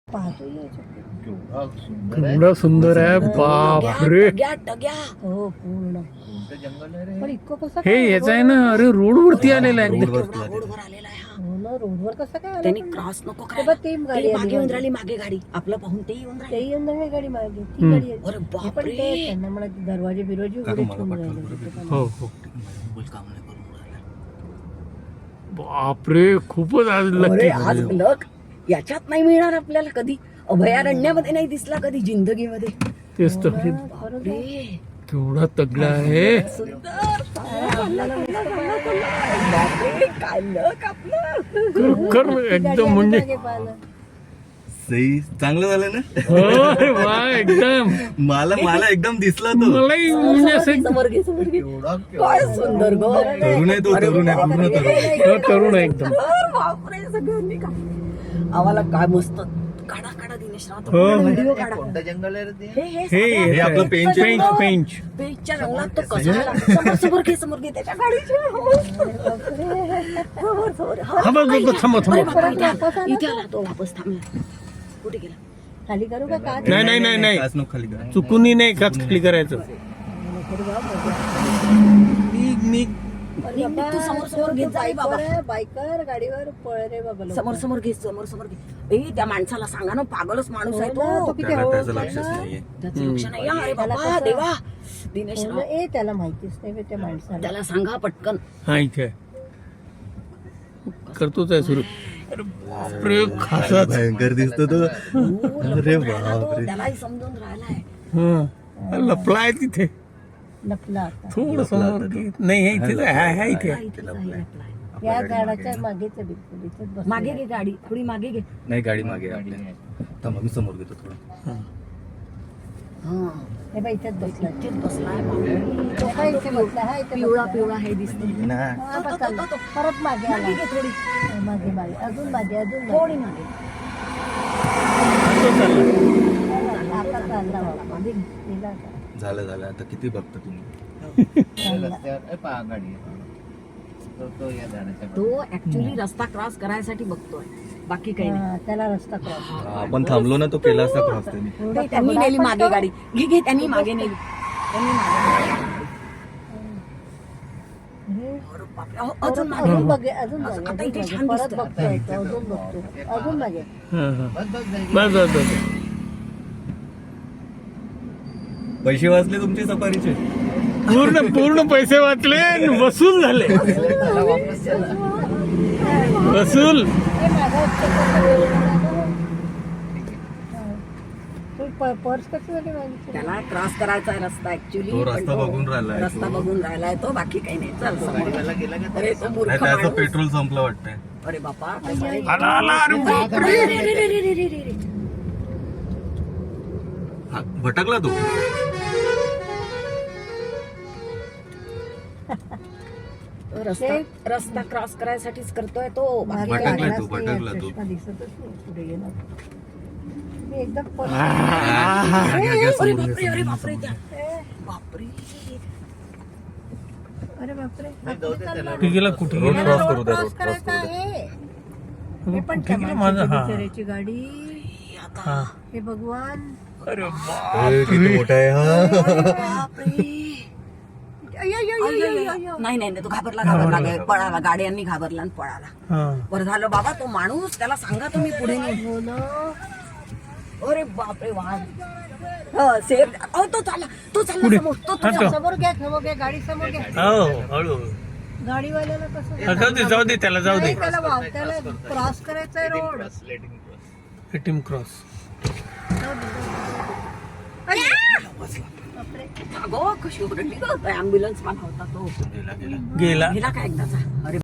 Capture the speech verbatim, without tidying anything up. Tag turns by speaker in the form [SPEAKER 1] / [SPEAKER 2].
[SPEAKER 1] केवढा सुंदर आहे बापरे.
[SPEAKER 2] हो पूर्ण पण इतकं कसं
[SPEAKER 1] हे याच आहे ना, अरे रोड वरती आलेला आहे एकदम.
[SPEAKER 2] रोडवर आलेला आहे हा. हो ना, रोडवर कसं काय आलं
[SPEAKER 3] त्यांनी
[SPEAKER 2] पण?
[SPEAKER 3] क्रॉस नको
[SPEAKER 2] ते
[SPEAKER 3] करायला.
[SPEAKER 2] बघ, ती गाडी
[SPEAKER 3] ते
[SPEAKER 2] आली
[SPEAKER 3] मागे येऊन
[SPEAKER 2] मागे.
[SPEAKER 3] राहिली, मागे गाडी आपलं पाहून ते येऊन
[SPEAKER 2] ते
[SPEAKER 3] राहिले.
[SPEAKER 2] येऊन राहिली गाडी मागे, ती
[SPEAKER 1] हम्म.
[SPEAKER 2] गाडी आली.
[SPEAKER 3] अरे
[SPEAKER 2] हे पण
[SPEAKER 3] बापरे.
[SPEAKER 2] ते त्यांना म्हणा दरवाजे बिरवाजे उघडे ठेवून राहिले.
[SPEAKER 1] हो हो
[SPEAKER 3] बोल काम नाही करून राहिला.
[SPEAKER 1] बापरे, खूपच आज
[SPEAKER 3] अरे
[SPEAKER 1] लकी.
[SPEAKER 3] आज लक याच्यात नाही मिळणार आपल्याला कधी, अभयारण्यामध्ये नाही दिसला कधी जिंदगीमध्ये.
[SPEAKER 1] तेच तर,
[SPEAKER 2] हा, खरंच आहे.
[SPEAKER 3] बापरे.
[SPEAKER 1] केवढा तगडा आहे.
[SPEAKER 3] सुंदर
[SPEAKER 2] आपल्याला नुसतं
[SPEAKER 3] बापरे, काय लक आपलं.
[SPEAKER 1] कर- कर
[SPEAKER 2] ती गाडी
[SPEAKER 1] एकदम
[SPEAKER 2] आली
[SPEAKER 1] म्हणजे
[SPEAKER 2] मागे पाहिलं.
[SPEAKER 4] सही चांगलं झालं ना.
[SPEAKER 1] होय, वा एकदम.
[SPEAKER 4] मला मला एकदम दिसला तो.
[SPEAKER 1] मलाही म्हणजे असं
[SPEAKER 3] समोर घे, समोर घे. काय सुंदर ग.
[SPEAKER 4] तरुण आहे तो, तरुण आहे, पूर्ण तरुण.
[SPEAKER 1] हो, तरुण आहे एकदम.
[SPEAKER 3] बापरे, सगळ्यांनी का आम्हाला काय मस्त काढा काढा दिनेश राव,
[SPEAKER 1] हो.
[SPEAKER 3] व्हिडिओ काढा.
[SPEAKER 4] जंगल आहे रे ते.
[SPEAKER 3] हे हे
[SPEAKER 1] हे
[SPEAKER 3] साधं
[SPEAKER 4] हे आपलं पेंच आहे.
[SPEAKER 1] पेंच पेंच.
[SPEAKER 3] पेजच्या रंगात तो कसा आला. समोर समोर घे, समोर घे त्याच्या गाडीच्या. समोर समोर हा.
[SPEAKER 1] हा, बघ, बघ, बघ, थांबा
[SPEAKER 3] अरे
[SPEAKER 1] थांबा.
[SPEAKER 3] बापरे, इथे आला. इथे आला तो वापस थांबला. कुठे गेला.
[SPEAKER 2] खाली करू का का
[SPEAKER 1] नाही नाही नाही नाही,
[SPEAKER 4] काच नको खाली करा.
[SPEAKER 1] चुकूनही नाही काच खाली करायचं. निघ निघ.
[SPEAKER 3] निघ, निघ, तू समोर समोर घेत जा रे बाबा.
[SPEAKER 2] बायकर गाडीवर पळ रे बाबा लवकर.
[SPEAKER 3] समोर समोर घे, समोर समोर घे. ए त्या माणसाला सांगा ना, पागलच माणूस आहे
[SPEAKER 2] हो ना,
[SPEAKER 3] तो.
[SPEAKER 2] तो किती
[SPEAKER 4] त्याला
[SPEAKER 2] हळू
[SPEAKER 4] त्याचं
[SPEAKER 2] होता
[SPEAKER 4] लक्षच
[SPEAKER 2] ना.
[SPEAKER 4] नाहीये.
[SPEAKER 3] त्याचं लक्ष नाही. अरे
[SPEAKER 2] त्याला
[SPEAKER 3] बाबा
[SPEAKER 2] कसं-
[SPEAKER 3] देवा दिनेश
[SPEAKER 2] हो
[SPEAKER 3] राव,
[SPEAKER 2] ना, ए त्याला माहितीच नाही बे त्या माणसाला.
[SPEAKER 3] त्याला सांगा पटकन.
[SPEAKER 1] हा इथे आहे. करतोच आहे सुरू. अरे बापरे, खासाच.
[SPEAKER 4] भयंकर दिसतो तो. अरे
[SPEAKER 3] तो
[SPEAKER 4] बापरे.
[SPEAKER 3] त्यालाही समजून राहिलाय.
[SPEAKER 1] हा, लपला आहे तिथे.
[SPEAKER 2] लपला आता
[SPEAKER 1] थोडं समोर घे. नाही हे इथे आहे, आहे, आहे इथे.
[SPEAKER 3] हा, इथेच आहे, लपलाय.
[SPEAKER 2] या झाडाच्या मागेच आहे बिलकुल इथेच बसलेला.
[SPEAKER 3] मागे घे गाडी, थोडी मागे घे.
[SPEAKER 4] नाही गाडी मागे आहे आपल्या. थांबा मी समोर घेतो थोडं.
[SPEAKER 3] हा,
[SPEAKER 2] हे बाई इथेच बसला.
[SPEAKER 3] इथेच बसलाय बापरे.
[SPEAKER 2] तो काय इथे बसला हा इथे
[SPEAKER 3] पिवळा
[SPEAKER 2] बसला.
[SPEAKER 3] पिवळा हे दिसते.
[SPEAKER 4] ना
[SPEAKER 2] हा, बस चालला. परत मागे आला.
[SPEAKER 3] मागे घे थोडी,
[SPEAKER 2] हा, मागे मागे अजून मागे अजून
[SPEAKER 3] थोडी
[SPEAKER 2] मागे.
[SPEAKER 3] मागे.
[SPEAKER 1] तो चालला.
[SPEAKER 2] आता चालला बाबा.
[SPEAKER 3] मागे घे.
[SPEAKER 2] गेला आता.
[SPEAKER 4] झालं झालं आता किती बघता तुम्ही.
[SPEAKER 3] तो ऍक्च्युली रस्ता क्रॉस करायसाठी बघतोय, बाकी काही नाही.
[SPEAKER 2] हा, त्याला रस्ता क्रॉस
[SPEAKER 4] हा, आपण थांबलो ना तो केला असता क्रॉस त्यांनी.
[SPEAKER 3] ते त्यांनी नेली मागे गाडी. घे घे, त्यांनी मागे नेली. त्यांनी मागे नेली. अरे बापरे, अहो, अजून मागे.
[SPEAKER 2] अजून मागे अजून मागे
[SPEAKER 3] आता
[SPEAKER 2] अजून
[SPEAKER 3] इथे
[SPEAKER 2] मागे.
[SPEAKER 3] छान
[SPEAKER 2] परत
[SPEAKER 3] दिसतंय.
[SPEAKER 2] बघतोय तो, अजून बघतो अजून मागे.
[SPEAKER 1] हा, हा. बस बस बस.
[SPEAKER 4] पैसे वाचले तुमचे सफारीचे.
[SPEAKER 1] पूर्ण पूर्ण पैसे वाचले आणि वसूल झाले. वसूल.
[SPEAKER 2] हे मागं असतं. तू प- पर्स कशासाठी मागितली?
[SPEAKER 3] त्याला क्रॉस करायचा आहे रस्ता ऍक्च्युली.
[SPEAKER 4] तो रस्ता बघून राहिलाय
[SPEAKER 3] रस्ता
[SPEAKER 4] तो.
[SPEAKER 3] बघून राहिलाय तो, बाकी काही नाही. चल समोर. अरे तो मूर्ख
[SPEAKER 4] नाही त्याचं
[SPEAKER 3] माणूस.
[SPEAKER 4] पेट्रोल संपलं वाटतंय.
[SPEAKER 3] अरे बापा, कसं रे?
[SPEAKER 1] आला आला, अरे बापरे.
[SPEAKER 3] रे, रे, रे, रे, रे, रे, रे, रे.
[SPEAKER 4] हा, भटकला तो.
[SPEAKER 3] तो रस्ता रस्ता क्रॉस करायसाठीच करतोय तो. बाकी
[SPEAKER 2] मागे
[SPEAKER 4] भटकला
[SPEAKER 3] काही नाही.
[SPEAKER 4] तो,
[SPEAKER 2] लागलाच नाही,
[SPEAKER 4] भटकला तो.
[SPEAKER 2] चष्मा दिसतच नाही पुढे गेला. मी एकदम पर्स
[SPEAKER 4] घ्या, घ्या, घ्या,
[SPEAKER 3] अरे
[SPEAKER 4] समोर घ्या,
[SPEAKER 3] बापरे, अरे
[SPEAKER 4] समोर
[SPEAKER 3] बापरे,
[SPEAKER 4] घ्या.
[SPEAKER 3] त्या- बापरे.
[SPEAKER 2] अरे बापरे हा, कुठे चालला?
[SPEAKER 1] कुठे गेला कुठे
[SPEAKER 4] रोड
[SPEAKER 1] गेला?
[SPEAKER 4] क्रॉस
[SPEAKER 2] रोड
[SPEAKER 4] करू द्या,
[SPEAKER 2] क्रॉस
[SPEAKER 4] रोड क्रॉस
[SPEAKER 2] करायचा
[SPEAKER 4] करू द्या.
[SPEAKER 2] आहे. हे पण
[SPEAKER 1] कुठे
[SPEAKER 2] त्या
[SPEAKER 1] गेला माझा?
[SPEAKER 2] माणसाची
[SPEAKER 1] हा
[SPEAKER 2] बिचाऱ्याची गाडी.
[SPEAKER 1] हा.
[SPEAKER 2] हे भगवान.
[SPEAKER 1] अरे
[SPEAKER 4] ए,
[SPEAKER 1] बापरे.
[SPEAKER 4] किती मोठा आहे हा.
[SPEAKER 3] बापरे.
[SPEAKER 2] अय, अय, अय, अय, अय, अय.
[SPEAKER 3] नाही नाही नाही, तो घाबरला घाबरला गे- पळाला. गाड्यांनी घाबरला आणि पळाला.
[SPEAKER 1] हा.
[SPEAKER 3] बरं झालं बाबा, तो माणूस त्याला सांगा तुम्ही पुढे नाही.
[SPEAKER 2] हो ना.
[SPEAKER 3] अरे बापरे, वाघ. हो सेफ. अहो तो चालला, तो चालला समोर. तो
[SPEAKER 1] हा,
[SPEAKER 3] तो
[SPEAKER 1] तो.
[SPEAKER 2] समोर घ्या समोर घ्या गाडी समोर घ्या.
[SPEAKER 1] हो हळू.
[SPEAKER 2] गाडीवाल्याला कसं
[SPEAKER 1] हा, जाऊ दे जाऊ दे त्याला जाऊ दे.
[SPEAKER 2] नाही, त्याला वाव त्याला क्रॉस करायचा आहे रोड.
[SPEAKER 1] ATM cross.
[SPEAKER 2] बापरे.
[SPEAKER 3] अगो कशी ओरडली गं. ऍम्ब्युलन्स पण होता तो.
[SPEAKER 4] गेला गेला
[SPEAKER 1] गेला.
[SPEAKER 3] गेला का एकदाचा. अरे